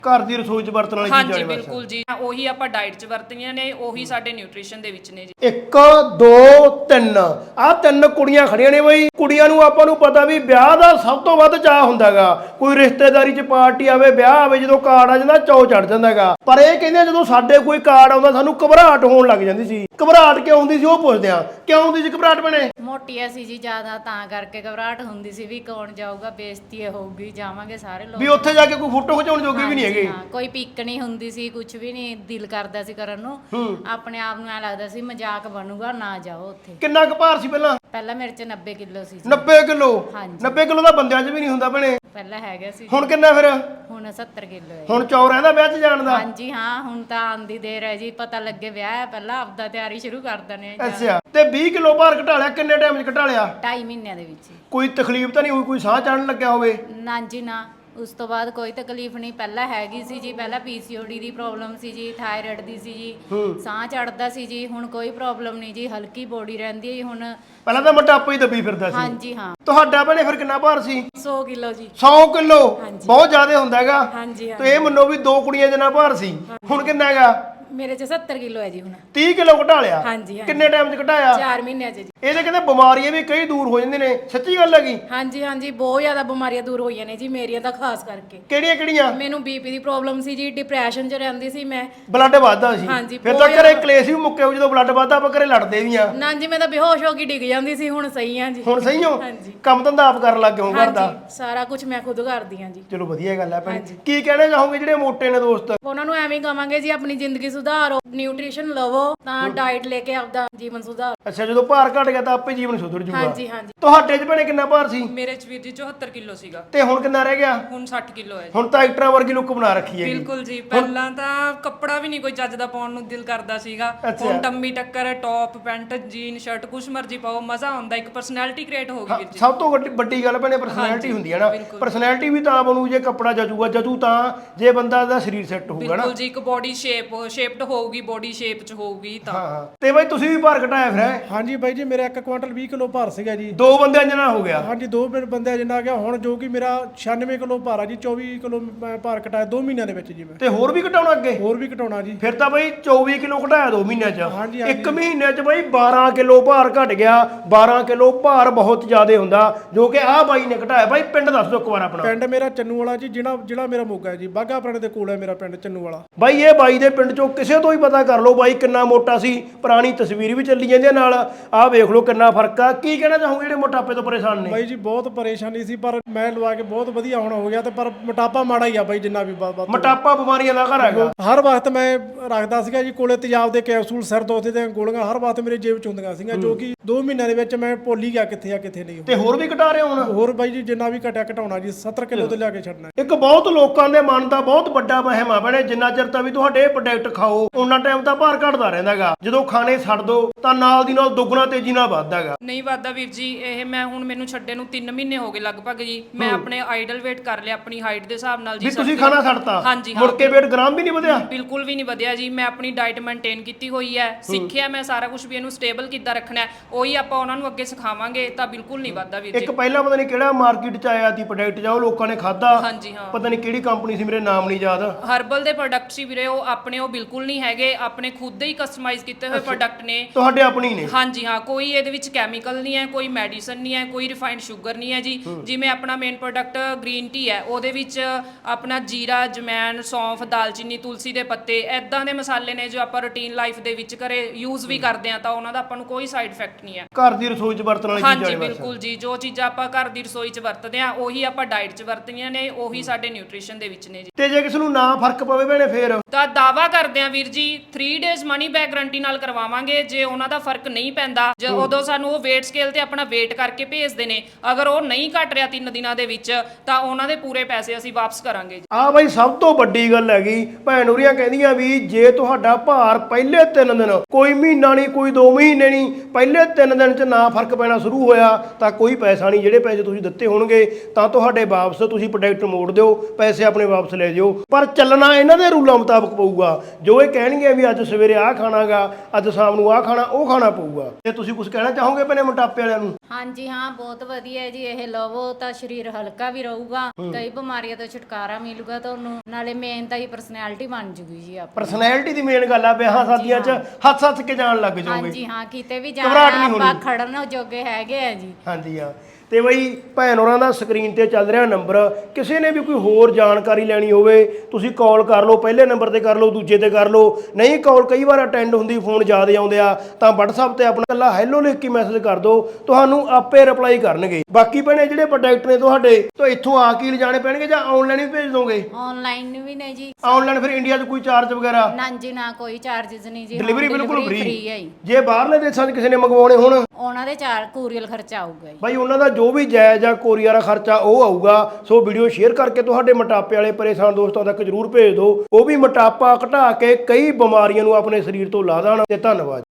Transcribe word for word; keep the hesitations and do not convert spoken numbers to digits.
घर दी रसोई च वरतण वाली हाँ चीज़ां जी ने बस। बिल्कुल जी ਉਹੀ ਆਪਾਂ ਡਾਈਟ ਚ ਵਰਤੀਆਂ ਨੇ ਉਹੀ ਸਾਡੇ ਨਿਊਟ੍ਰੀਸ਼ਨ ਦੇ ਵਿੱਚ ਨੇ ਜੀ। ਇੱਕ ਦੋ ਤਿੰਨ ਆਹ ਤਿੰਨ ਕੁੜੀਆਂ ਖੜੀਆਂ ਨੇ ਬਈ। ਕੁੜੀਆਂ ਨੂੰ ਆਪਾਂ ਨੂੰ ਪਤਾ ਵੀ ਵਿਆਹ ਦਾ ਸਭ ਤੋਂ ਵੱਧ ਚਾਅ ਹੁੰਦਾਗਾ। ਕੋਈ ਰਿਸ਼ਤੇਦਾਰੀ 'ਚ ਪਾਰਟੀ ਆਵੇ, ਵਿਆਹ ਆਵੇ, ਜਦੋਂ ਕਾਰਡ ਆ ਜਾਂਦਾ ਚੌ ਚੜ ਜਾਂਦਾਗਾ। ਪਰ ਇਹ ਕਹਿੰਦੇ ਜਦੋਂ ਸਾਡੇ ਕੋਈ ਕਾਰਡ ਆਉਂਦਾ ਸਾਨੂੰ ਘਬਰਾਹਟ ਹੋਣ ਲੱਗ ਜਾਂਦੀ ਸੀ। ਘਬਰਾਹਟ ਕਿਉਂ ਹੁੰਦੀ ਸੀ ਉਹ ਪੁੱਛਦੇ ਆ, ਕਿਉਂ ਹੁੰਦੀ ਸੀ ਘਬਰਾਹਟ ਬਣੇ? ਮੋਟੀਆਂ ਸੀ ਜੀ ਜ਼ਿਆਦਾ, ਤਾਂ ਕਰਕੇ ਘਬਰਾਹਟ ਹੁੰਦੀ ਸੀ ਵੀ ਕੌਣ ਜਾਊਗਾ, ਬੇਇੱਜ਼ਤੀ ਹੋਊਗੀ, ਜਾਵਾਂਗੇ ਸਾਰੇ ਲੋਕ ਵੀ ਉੱਥੇ ਜਾ ਕੇ ਕੋਈ ਫੋਟੋ ਖਿਚਾਉਣ ਜੋਗੇ ਵੀ ਨਹੀਂ ਹੈਗੇ। ਹਾਂ, ਕੋਈ ਪਿਕ ਨਹੀਂ ਹੁੰਦੀ ਸੀ, ਕੁਝ ਵੀ ਨਹੀਂ ਦਿਲ ਕਰਦਾ ਸੀ ਕਰਨ ਨੂੰ। ਆਪਣੇ ਆਪ ਨੂੰ ਐ ਲੱਗਦਾ ਸੀ ਮਜ਼ਾਕ ਬਣੂਗਾ, ਨਾ ਜਾਓ ਉੱਥੇ। ਕਿੰਨਾ ਕੁ ਭਾਰ ਸੀ ਪਹਿਲਾਂ? ਪਹਿਲਾਂ ਮੇਰੇ ਚ ਨੱਬੇ ਕਿਲੋ ਸੀ ਜੀ। ਨੱਬੇ ਕਿਲੋ? ਹਾਂਜੀ। ਨੱਬੇ ਕਿਲੋ ਦਾ ਬੰਦਿਆਂ 'ਚ ਵੀ ਨਹੀਂ ਹੁੰਦਾ ਭੈਣੇ। ਪਹਿਲਾਂ ਹੈਗਾ ਸੀ ਜੀ। ਹੁਣ ਕਿੰਨਾ ਫਿਰ? ਹੁਣ ਸੱਤਰ ਕਿਲੋ ਹੈ। ਹੁਣ ਚੌ ਰਹਿੰਦਾ ਵਿਆਹ 'ਚ ਜਾਣ ਦਾ? ਹਾਂਜੀ ਹਾਂ, ਹੁਣ ਤਾਂ ਆਂਦੀ ਦੇਰ ਹੈ ਜੀ, ਪਤਾ ਲੱਗੇ ਵਿਆਹ ਹੈ, ਪਹਿਲਾਂ ਆਪਦਾ ਤਿਆਰੀ ਸ਼ੁਰੂ ਕਰ ਦਨੇ। ਅੱਛਾ, ਤੇ ਵੀਹ ਕਿਲੋ ਭਾਰ ਘਟਾ ਲਿਆ, ਕਿੰਨੇ ਟਾਈਮ 'ਚ ਘਟਾ ਲਿਆ? ਢਾਈ ਮਹੀਨਿਆਂ ਦੇ ਵਿੱਚ। ਕੋਈ ਤਕਲੀਫ ਤਾਂ ਨਹੀਂ ਹੋਈ, ਕੋਈ ਸਾਹ ਚੜਨ ਲੱਗਿਆ ਹੋਵੇ? ਨਾ ਜੀ ਨਾ, ਉਸ ਤੋਂ ਬਾਅਦ ਕੋਈ ਤਕਲੀਫ ਨਹੀਂ। ਪਹਿਲਾਂ ਹੈਗੀ ਸੀ ਜੀ, ਪਹਿਲਾਂ ਪੀਸੀਓਡੀ ਦੀ ਪ੍ਰੋਬਲਮ ਸੀ ਜੀ, ਥਾਇਰਾਇਡ ਦੀ ਸੀ ਜੀ, ਸਾਹ ਚੜਦਾ ਸੀ ਜੀ। ਹੁਣ ਕੋਈ ਪ੍ਰੋਬਲਮ ਨਹੀਂ ਜੀ, ਹਲਕੀ ਬੋਡੀ ਰਹਿੰਦੀ ਹੈ ਜੀ ਹੁਣ। ਪਹਿਲਾਂ ਤਾਂ ਮੋਟਾਪਾ ਹੀ ਦੱਬੀ ਫਿਰਦਾ ਸੀ। ਹਾਂਜੀ ਹਾਂ। ਤੁਹਾਡਾ ਭੈਣੇ ਫਿਰ ਕਿੰਨਾ ਭਾਰ ਸੀ? ਸੌ ਕਿਲੋ ਜੀ। ਸੌ ਕਿਲੋ? ਬਹੁਤ ਜ਼ਿਆਦਾ ਹੁੰਦਾ ਹੈਗਾ। ਹਾਂਜੀ ਤੇ ਇਹ ਮੰਨੋ ਵੀ ਦੋ ਕੁੜੀਆਂ ਜਿੰਨਾ ਭਾਰ ਸੀ। ਹੁਣ ਕਿੰਨਾ ਹੈਗਾ? ਮੇਰੇ ਚ ਸੱਤਰ ਕਿਲੋ ਹੈ ਜੀ ਹੁਣ। ਤੀਹ ਕਿਲੋ ਘਟਾ ਲਿਆ? ਹਾਂਜੀ ਹਾਂ। ਕਿੰਨੇ ਟਾਈਮ 'ਚ ਘਟਾਇਆ? ਚਾਰ ਮਹੀਨਿਆਂ ਚ ਜੀ। ਇਹਦੇ ਕਹਿੰਦੇ ਬਿਮਾਰੀਆਂ ਵੀ ਕਈ ਦੂਰ ਹੋ ਜਾਂਦੀਆਂ ਨੇ, ਸੱਚੀ ਗੱਲ ਹੈਗੀ? ਹਾਂਜੀ ਹਾਂਜੀ, ਬਹੁਤ ਜ਼ਿਆਦਾ ਬਿਮਾਰੀਆਂ ਦੂਰ ਹੋਈਆਂ ਨੇ ਜੀ ਮੇਰੀਆਂ ਤਾਂ ਖਾਸ ਕਰਕੇ। ਕਿਹੜੀਆਂ ਕਿਹੜੀਆਂ? ਮੈਨੂੰ ਬੀਪੀ ਦੀ ਪ੍ਰੋਬਲਮ ਸੀ ਜੀ, ਡਿਪਰੈਸ਼ਨ ਚ ਰਹਿੰਦੀ ਸੀ ਮੈਂ। ਬਲੱਡ ਵੱਧਦਾ ਸੀ? ਹਾਂਜੀ, ਫਿਰ ਤਾਂ ਬਹੁਤ ਘਰੇ ਜ਼ਿਆਦਾ। ਕਲੇਸ਼ ਵੀ ਮੁੱਕੇ ਹੋ, ਜਦੋਂ ਬਲੱਡ ਵੱਧਦਾ ਆਪਾਂ ਘਰੇ ਲੜਦੇ ਵੀ ਆ। ਨਾ ਜੀ, ਮੈਂ ਤਾਂ ਬੇਹੋਸ਼ ਹੋ ਕੇ ਡਿੱਗ ਜਾਂਦੀ ਸੀ, ਹੁਣ ਸਹੀ ਆ ਜੀ। ਹੁਣ ਸਹੀ ਹੋ? ਹਾਂਜੀ। ਕੰਮ ਧੰਦਾ ਆਪ ਕਰਨ ਲੱਗ ਗਏ ਹੋ ਘਰ ਦਾ? ਹਾਂਜੀ, ਸਾਰਾ ਕੁਝ ਮੈਂ ਖੁਦ ਕਰਦੀ ਆ ਜੀ। ਚਲੋ ਵਧੀਆ ਗੱਲ ਹੈ ਭੈਣੇ। ਕੀ ਕਹਿਣਾ ਚਾਹੋਗੇ ਜਿਹੜੇ ਮੋਟੇ ਨੇ ਦੋਸਤ? ਉਹਨਾਂ ਨੂੰ ਐਵੇਂ ਕਵਾਂਗੇ ਜੀ, ਆਪਣੀ ਜ਼ਿੰਦਗੀ ਸੁਧਾਰੋ, ਨਿਊਟ੍ਰੀਸ਼ਨ ਲਵੋ, ਤਾਂ ਡਾਈਟ ਲੈ ਕੇ ਆਪਦਾ ਜੀਵਨ ਸੁਧਾਰੋ। ਅੱਛਾ, ਜਦੋਂ ਭਾਰ ਘਟ ਗਿਆ ਤਾਂ ਆਪੇ ਜੀਵਨ ਸੁਧਰ ਜੂਗਾ। ਹਾਂਜੀ ਹਾਂਜੀ। ਤੁਹਾਡੇ 'ਚ ਭੈਣੇ ਕਿੰਨਾ ਭਾਰ ਸੀ? ਮੇਰੇ ਚ ਵੀਰ ਜੀ ਚੌਹੱਤਰ ਕਿਲੋ ਸੀਗਾ ਤੇ ਹੁਣ ਕਿੰਨਾ ਰਹਿ ਗਿਆ? ਹੁਣ ਸੱਠ ਕਿਲੋ ਹੈ ਜੀ। ਹੁਣ ਤਾਂ ਐਕਟਰਾਂ ਵਰਗੀ ਲੁੱਕ ਬਣਾ ਰੱਖੀ ਹੈ। ਬਿਲਕੁਲ ਜੀ, ਪਹਿਲਾਂ ਤਾਂ ਕੱਪੜਾ ਵੀ ਨਹੀਂ ਕੋਈ ਚੱਜ ਦਾ ਪਾਉਣ ਨੂੰ ਦਿਲ ਕਰਦਾ ਸੀਗਾ। ਅੱਛਾ। ਹੁਣ ਟੰਮੀ ਟੱਕਰ, ਟੌਪ ਪੈਂਟ, ਜੀਨ ਸ਼ਰਟ, ਕੁਛ ਮਰਜ਼ੀ ਪਾਓ, ਮਜ਼ਾ ਆਉਂਦਾ, ਇੱਕ ਪਰਸਨੈਲਿਟੀ ਕ੍ਰੀਏਟ ਹੋ ਗਈ ਵੀਰ ਜੀ। ਸਭ ਤੋਂ ਵੱਡੀ ਵੱਡੀ ਗੱਲ ਭੈਣੇ ਪਰਸਨੈਲਿਟੀ ਹੁੰਦੀ ਹੈ ਨਾ। ਪਰਸਨੈਲਿਟੀ ਵੀ ਤਾਂ ਬਣੂ ਜੇ ਕੱਪੜਾ ਜਚੂਗਾ, ਜਚੂ ਤਾਂ ਜੇ ਬੰਦਾ ਦਾ ਸਰੀਰ ਸੈੱਟ ਹੋਊਗਾ ਨਾ। ਬਿਲਕੁਲ ਜੀ, ਇੱਕ ਬੋਡੀ ਸ਼ੇਪ ਸ਼ੇਪਡ ਹੋਊਗੀ, ਬੋਡੀ ਸ਼ੇਪ ਚ ਹੋਊਗੀ ਤਾਂ। ਹਾਂ, ਤੇ ਬਾਈ ਤੁਸੀਂ ਵੀ ਭਾਰ ਘਟਾਇਆ ਫਿਰ ਹੈ? ਹਾਂਜੀ ਬਾਈ ਜੀ, ਮੇਰਾ ਇੱਕ ਕੁਆਂਟਲ ਵੀਹ ਕਿਲੋ ਭਾਰ ਸੀਗਾ ਜੀ। ਦੋ ਬੰਦਿਆਂ ਜਿੰਨਾ ਹੋ ਗਿਆ? ਹਾਂਜੀ, ਦੋ ਮਿੰਟ ਬੰਦਿਆਂ ਜਿੰਨਾ ਆ ਗਿਆ ਹੁਣ, ਜੋ ਕਿ ਮੇਰਾ ਛਿਆਨਵੇਂ ਕਿਲੋ ਭਾਰ ਆ ਜੀ। ਚੌਵੀ ਕਿਲੋ ਮੈਂ ਭਾਰ ਘਟਾਇਆ ਦੋ ਮਹੀਨਿਆਂ ਦੇ ਵਿੱਚ ਜੀ ਮੈਂ। ਤੇ ਹੋਰ ਵੀ ਘਟਾਉਣਾ ਅੱਗੇ? ਹੋਰ ਵੀ ਘਟਾਉਣਾ ਜੀ। ਫਿਰ ਤਾਂ ਬਾਈ ਚੌਵੀ ਕਿਲੋ ਘਟਾਇਆ ਦੋ ਮਹੀਨਿਆਂ 'ਚ। ਹਾਂਜੀ, ਇੱਕ ਮਹੀਨੇ 'ਚ ਬਾਈ ਬਾਰਾਂ ਕਿਲੋ ਭਾਰ ਘਟ ਗਿਆ। ਬਾਰਾਂ ਕਿਲੋ ਭਾਰ ਬਹੁਤ ਜ਼ਿਆਦਾ ਹੁੰਦਾ, ਜੋ ਕਿ ਆਹ ਬਾਈ ਨੇ ਘਟਾਇਆ। ਬਾਈ ਪਿੰਡ ਦੱਸ ਦਿਓ ਇੱਕ ਵਾਰ ਆਪਣਾ। ਪਿੰਡ ਮੇਰਾ ਚੰਨੂ ਵਾਲਾ ਜੀ, ਜਿਹੜਾ ਜਿਹੜਾ ਮੇਰਾ ਮੋਗਾ ਹੈ ਜੀ, ਬਾਘਾ ਪੁਰਾਣੇ ਦੇ ਕੋਲ ਹੈ ਮੇਰਾ ਪਿੰਡ ਚੰਨੂ ਵਾਲਾ। ਬਾਈ ਇਹ ਬਾਈ ਦੇ ਪਿੰਡ 'ਚੋਂ ਕਿਸੇ ਤੋਂ ਹੀ ਪਤਾ ਕਰ ਲਓ ਬਾਈ ਕਿੰਨਾ ਮੋਟਾ ਸੀ। ਪੁਰਾਣੀ ਤਸਵੀਰ ਵੀ ਚੱਲੀ ਜਾਂਦੀ ਨਾਲ, ਆਹ ਵੇਖ ਲਓ ਕਿੰਨਾ ਫਰਕ ਆ। ਕੀ ਕਹਿਣਾ ਚਾਹੋਗੇ ਜਿਹੜੇ ਮੋਟਾਪੇ ਤੋਂ ਪਰੇਸ਼ਾਨ ਨੇ? ਬਾਈ ਜੀ ਬਹੁਤ ਪਰੇਸ਼ਾਨੀ ਸੀ, ਪਰ ਮੈਂ ਲਵਾ ਕੇ ਬਹੁਤ ਵਧੀਆ ਹੁਣ ਹੋ ਗਿਆ। ਤੇ ਪਰ ਮੋਟਾਪਾ ਮਾੜਾ ਹੀ ਆ ਬਾਈ, ਜਿੰਨਾ ਵੀ ਬਾਤ। ਮੋਟਾਪਾ ਬਿਮਾਰੀਆਂ ਦਾ ਘਰ ਹੈਗਾ। ਹਰ ਵਕਤ ਮੈਂ ਰੱਖਦਾ ਸੀਗਾ ਜੀ ਕੋਲੇ ਤੇਜ਼ਾਬ ਦੇ ਕੈਪਸੂਲ, ਸਿਰ ਦਰਦ ਦੀਆਂ ਗੋਲੀਆਂ ਹਰ ਵਕਤ ਮੇਰੇ ਜੇਬ 'ਚ ਹੁੰਦੀਆਂ ਸੀਗੀਆਂ, ਜੋ ਕਿ ਦੋ ਮਹੀਨਿਆਂ ਦੇ ਵਿੱਚ ਮੈਂ ਭੁੱਲ ਹੀ ਗਿਆ ਕਿੱਥੇ ਆ ਕਿੱਥੇ ਨਹੀਂ। ਤੇ ਹੋਰ ਵੀ ਘਟਾ ਰਹੇ ਹੁਣ? ਹੋਰ ਬਾਈ ਜੀ ਜਿੰਨਾ ਵੀ ਘਟਿਆ ਘਟਾਉਣਾ ਜੀ, ਸੱਤਰ ਕਿਲੋ ਤੇ ਲਿਆ ਕੇ ਛੱਡਣਾ। ਇੱਕ ਬਹੁਤ ਲੋਕਾਂ ਦੇ ਮਨ ਦਾ ਬਹੁਤ ਵੱਡਾ ਵਹਿਮ ਆ ਬਣੇ, ਜਿੰਨਾ ਚਿਰ ਤਾਂ ਵੀ ਤੁਹਾਡੇ ਇਹ ਪ੍ਰੋਡਕਟ ਖਾਓ ਉਹਨਾਂ ਟਾਈਮ ਤਾਂ ਭਾਰ ਘਟਦਾ ਰਹਿੰਦਾਗਾ, ਜਦੋਂ ਖਾਣੇ ਛੱਡ ਦੋ ਤਾਂ ਨਾਲ ਦੀ ਨਾਲ ਦੁੱਗਣਾ ਤੇਜ਼ੀ ਨਾਲ ਵੱਧਦਾਗਾ। ਨਹੀਂ ਵੱਧਦਾ ਵੀਰ ਜੀ। ਇਹ ਮੈਂ ਹੁਣ ਮੈਨੂੰ ਛੱਡੇ ਨੂੰ ਤਿੰਨ ਮਹੀਨੇ ਹੋ ਗਏ ਲਗਭਗ ਜੀ। ਮੈਂ ਆਪਣੇ ਆਈਡਲ weight ਕਰ ਲਿਆ ਆਪਣੀ ਹਾਈਟ ਦੇ ਹਿਸਾਬ ਨਾਲ ਜੀ। ਵੀ ਤੁਸੀਂ ਖਾਣਾ ਛੱਡਤਾ? ਹਾਂਜੀ ਮੁੜ ਕੇ weight ਗ੍ਰਾਮ ਵੀ ਨਹੀਂ ਵਧਿਆ? ਬਿਲਕੁਲ ਵੀ ਨਹੀਂ ਵਧਿਆ ਜੀ। ਮੈਂ ਆਪਣੀ ਡਾਈਟ ਮੇਨਟੇਨ ਕੀਤੀ ਹੋਈ ਹੈ, ਸਿੱਖਿਆ ਮੈਂ ਸਾਰਾ ਕੁਝ ਵੀ ਇਹਨੂੰ ਸਟੇਬਲ ਕਿੱਦਾਂ ਰੱਖਣਾ ਹੈ, ਉਹੀ ਆਪਾਂ ਉਹਨਾਂ ਨੂੰ ਅੱਗੇ ਸਿਖਾਵਾਂਗੇ ਤਾਂ ਬਿਲਕੁਲ ਨਹੀਂ ਵੱਧਦਾ ਵੀਰ ਜੀ। ਇੱਕ ਪਹਿਲਾਂ ਪਤਾ ਨਹੀਂ ਕਿਹੜਾ ਮਾਰਕੀਟ 'ਚ ਆਇਆ ਸੀ ਪ੍ਰੋਡਕਟ, ਜਾਂ ਉਹ ਲੋਕਾਂ ਨੇ ਖਾਦਾ, ਹਾਂਜੀ ਹਾਂ, ਪਤਾ ਨਹੀਂ ਕਿਹੜੀ ਕੰਪਨੀ ਸੀ, ਮੇਰੇ ਨਾਮ ਨਹੀਂ ਯਾਦ। ਹਰਬਲ ਦੇ ਪ੍ਰੋਡਕਟ ਸੀ ਵੀਰੇ, ਉਹ ਆਪਣੇ ਉਹ ਬਿਲਕੁਲ ਨਹੀਂ ਹੈਗੇ, ਆਪਣੇ ਖੁਦ ਦੇ ਹੀ ਕਸਟਮਾਈਜ਼ ਕੀਤੇ ਹੋਏ ਪ੍ਰੋਡਕਟ ਨੇ। ਤੁਹਾਡੇ ਆਪਣੀ ਨੇ? ਹਾਂਜੀ ਹਾਂ, ਕੋਈ ਇਹਦੇ ਵਿੱਚ ਕੈਮੀਕਲ ਨਹੀਂ ਹੈ, ਕੋਈ ਮੈਡੀਸਨ ਨਹੀਂ ਹੈ, ਕੋਈ ਰਿਫਾਈਨਡ ਸ਼ੂਗਰ ਨਹੀਂ ਹੈ ਜੀ। ਜਿਵੇਂ ਆਪਣਾ ਮੇਨ ਪ੍ਰੋਡਕਟ ਗ੍ਰੀਨ ਟੀ ਹੈ, ਉਹਦੇ ਵਿੱਚ ਆਪਣਾ ਜੀਰਾ, ਜਮੈਨ, ਸੌਂਫ, ਦਾਲਚੀਨੀ, ਤੁਲਸੀ ਦੇ ਪੱਤੇ, ਐਦਾਂ ਦੇ ਮਸਾਲੇ ਨੇ ਜੋ ਆਪਾਂ ਰੂਟੀਨ ਲਾਈਫ ਦੇ ਵਿੱਚ ਘਰੇ ਯੂਜ਼ ਵੀ ਕਰਦੇ ਆ, ਤਾਂ ਉਹਨਾਂ ਦਾ ਆਪਾਂ ਨੂੰ ਕੋਈ ਸਾਈਡ ਇਫੈਕਟ ਨਹੀਂ ਹੈ। ਘਰ ਦੀ ਰਸੋਈ 'ਚ ਵਰਤਣ ਵਾਲੀ ਚੀਜ਼ਾਂ ਨੇ? ਹਾਂਜੀ ਬਿਲਕੁਲ ਜੀ, ਜੋ ਚੀਜ਼ਾਂ ਆਪਾਂ ਘਰ ਦੀ ਰਸੋਈ 'ਚ ਵਰਤਦੇ ਆ ਉਹੀ ਆਪਾਂ ਡਾਈਟ 'ਚ ਵਰਤੀਆਂ ਨੇ, ਉਹੀ ਸਾਡੇ ਨਿਊਟ੍ਰੀਸ਼ਨ ਦੇ ਵਿੱਚ ਨੇ ਜੀ। ਤੇ ਜੇ ਕਿਸੇ ਨੂੰ ਨਾ ਫਰਕ ਪਵੇ ਭੈਣੇ ਫੇਰ? ਤਾਂ ਦਾਵਾ ਕਰਦੇ ਆ ਵੀਰ ਜੀ, three days money back guarantee ਨਾਲ ਕਰਵਾਵਾਂਗੇ। ਜੇ ਉਹਨਾਂ ਦਾ ਫਰਕ ਨਹੀਂ ਪੈਂਦਾ, ਜੇ ਉਦੋਂ ਸਾਨੂੰ ਉਹ weight scale ਤੇ ਆਪਣਾ weight ਕਰਕੇ ਭੇਜਦੇ ਨੇ, ਅਗਰ ਉਹ ਨਹੀਂ ਘਟ ਰਿਹਾ ਤਿੰਨ ਦਿਨਾਂ ਦੇ ਵਿੱਚ, ਤਾਂ ਉਹਨਾਂ ਦੇ ਪੂਰੇ ਪੈਸੇ ਅਸੀਂ ਵਾਪਸ ਕਰਾਂਗੇ ਜੀ। ਆ ਬਾਈ ਸਭ ਤੋਂ ਵੱਡੀ ਗੱਲ ਹੈਗੀ, ਭੈਣ ਉਰੀਆਂ ਕਹਿੰਦੀਆਂ ਵੀ ਜੇ ਤੁਹਾਡਾ ਭਾਰ ਪਹਿਲੇ ਤਿੰਨ ਦਿਨ, ਕੋਈ ਮਹੀਨਾ ਨਹੀਂ, ਕੋਈ ਦੋ ਮਹੀਨੇ ਨਹੀਂ, ਪਹਿਲੇ ਤਿੰਨ ਦਿਨ 'ਚ ਨਾ ਫਰਕ ਪੈਣਾ ਸ਼ੁਰੂ ਹੋਇਆ ਤਾਂ ਕੋਈ ਪੈਸਾ ਨਹੀਂ। ਜਿਹੜੇ ਪੈਸੇ ਤੁਸੀਂ ਦਿੱਤੇ ਹੋਣਗੇ ਤਾਂ ਤੁਹਾਡੇ ਵਾਪਸ, ਤੁਸੀਂ ਪ੍ਰੋਡਕਟ ਮੋੜ ਦਿਓ, ਪੈਸੇ ਆਪਣੇ ਵਾਪਸ ਲੈ ਜਿਓ। ਪਰ ਚੱਲਣਾ ਇਹਨਾਂ ਦੇ ਰੂਲਾਂ ਮੁਤਾਬਕ ਪਊਗਾ। ਜੋ ਇਹ ਕਹਿਣਗੇ ਵੀ ਅੱਜ ਸਵੇਰੇ ਆਹ ਖਾਣਾਗਾ, ਅੱਜ ਸ਼ਾਮ ਨੂੰ ਆਹ ਖਾਣਾ, ਉਹ ਖਾਣਾ ਪਊਗਾ। ਤੇ ਤੁਸੀਂ ਕੁਝ ਕਹਿਣਾ ਚਾਹੋਗੇ ਭੈਣੇ ਮੋਟਾਪੇ ਵਾਲਿਆਂ ਨੂੰ? ਹਾਂਜੀ ਹਾਂ, ਬਹੁਤ ਵਧੀਆ ਹੈ ਜੀ। ਇਹ ਲਵੋ ਤਾਂ ਸਰੀਰ ਹਲਕਾ ਵੀ ਰਹੂਗਾ, ਕਈ ਬਿਮਾਰੀਆਂ ਤੋਂ ਛੁਟਕਾਰਾ ਮਿਲੂਗਾ ਤੁਹਾਨੂੰ, ਨਾਲੇ ਮੇਨ ਤਾਂ ਹੀ ਪਰਸਨੈਲਿਟੀ ਬਣ ਜੂਗੀ ਜੀ ਆਪਣੀ। ਪਰਸਨੈਲਿਟੀ ਦੀ ਮੇਨ ਗੱਲ ਆ, ਵਿਆਹਾਂ ਸ਼ਾਦੀਆਂ 'ਚ ਹੱਥ ਹੱਥ ਕੇ ਜਾਣ ਲੱਗ ਜਾਓਗੇ। ਹਾਂਜੀ ਹਾਂ, ਕਿਤੇ ਵੀ ਘਬਰਾਹਟ ਜਾਣਾ ਨਹੀਂ ਆਪਾਂ ਹੋਣੀ। ਖੜਨ ਜੋਗੇ ਹੈਗੇ ਆ ਜੀ। ਹਾਂਜੀ ਹਾਂ। ਤੇ ਬਈ ਭੈਣ ਹੋਰਾਂ ਦਾ ਸਕਰੀਨ ਤੇ ਚੱਲ ਰਿਹਾ ਨੰਬਰ, ਕਿਸੇ ਨੇ ਵੀ ਕੋਈ ਹੋਰ ਜਾਣਕਾਰੀ ਲੈਣੀ ਹੋਵੇ ਤੁਸੀਂ ਕਾਲ ਕਰ ਲਓ, ਪਹਿਲੇ ਨੰਬਰ ਤੇ ਕਰ ਲਓ, ਦੂਜੇ ਤੇ ਕਰ ਲਓ। ਨਹੀਂ ਕਾਲ ਕਈ ਵਾਰ ਅਟੈਂਡ ਹੁੰਦੀ, ਫੋਨ ਜ਼ਿਆਦਾ ਆਉਂਦੇ ਆ, ਤਾਂ WhatsApp ਤੇ ਆਪਣਾ ਇਕੱਲਾ ਹੈਲੋ ਲਿਖ ਕੇ ਮੈਸੇਜ ਕਰ ਦਿਓ, ਤੁਹਾਨੂੰ ਆਪੇ ਰਿਪਲਾਈ ਕਰਨਗੇ। ਬਾਕੀ ਭੈਣੇ ਜਿਹੜੇ ਪ੍ਰੋਡਕਟ ਨੇ ਤੁਹਾਡੇ ਤੋਂ ਇੱਥੋਂ ਆ ਕੇ ਲਿਜਾਣੇ ਪੈਣਗੇ ਜਾਂ ਆਨਲਾਈਨ ਵੀ ਭੇਜ ਦੋਗੇ? ਆਨਲਾਈਨ ਵੀ ਨੇ ਜੀ। ਆਨਲਾਈਨ ਫਿਰ ਇੰਡੀਆ 'ਚ ਕੋਈ ਚਾਰਜ ਵਗੈਰਾ? ਨਾ ਜੀ ਨਾ, ਕੋਈ ਚਾਰजेस ਨਹੀਂ ਜੀ। ਡਿਲੀਵਰੀ ਬਿਲਕੁਲ ਫ੍ਰੀ ਫ੍ਰੀ ਹੈ ਜੀ। ਜੇ ਬਾਹਰਲੇ ਦੇਸ਼ਾਂ 'ਚ ਕਿਸੇ ਨੇ ਮੰਗਵਾਉਣੇ ਹੋਣ, ਉਹਨਾਂ ਦੇ ਚਾਰ ਕੂਰੀਅਰ ਖਰਚਾ ਆਊਗਾ ਜੀ। ਬਾਈ ਉਹਨਾਂ ਦਾ ਜੋ ਵੀ ਜਾਇਜ਼ ਆ ਕੋਰੀਅਰ ਦਾ ਖਰਚਾ ਉਹ ਆਊਗਾ। ਸੋ ਵੀਡੀਓ ਸ਼ੇਅਰ ਕਰਕੇ ਤੁਹਾਡੇ ਮੋਟਾਪੇ ਵਾਲੇ ਪਰੇਸ਼ਾਨ ਦੋਸਤਾਂ ਤੱਕ ਜਰੂਰ ਭੇਜ ਦਿਓ, ਉਹ ਵੀ ਮੋਟਾਪਾ ਘਟਾ ਕੇ ਕਈ ਬਿਮਾਰੀਆਂ ਨੂੰ ਆਪਣੇ ਸਰੀਰ ਤੋਂ ਲਾ ਦੇਣ। ਤੇ ਧੰਨਵਾਦ।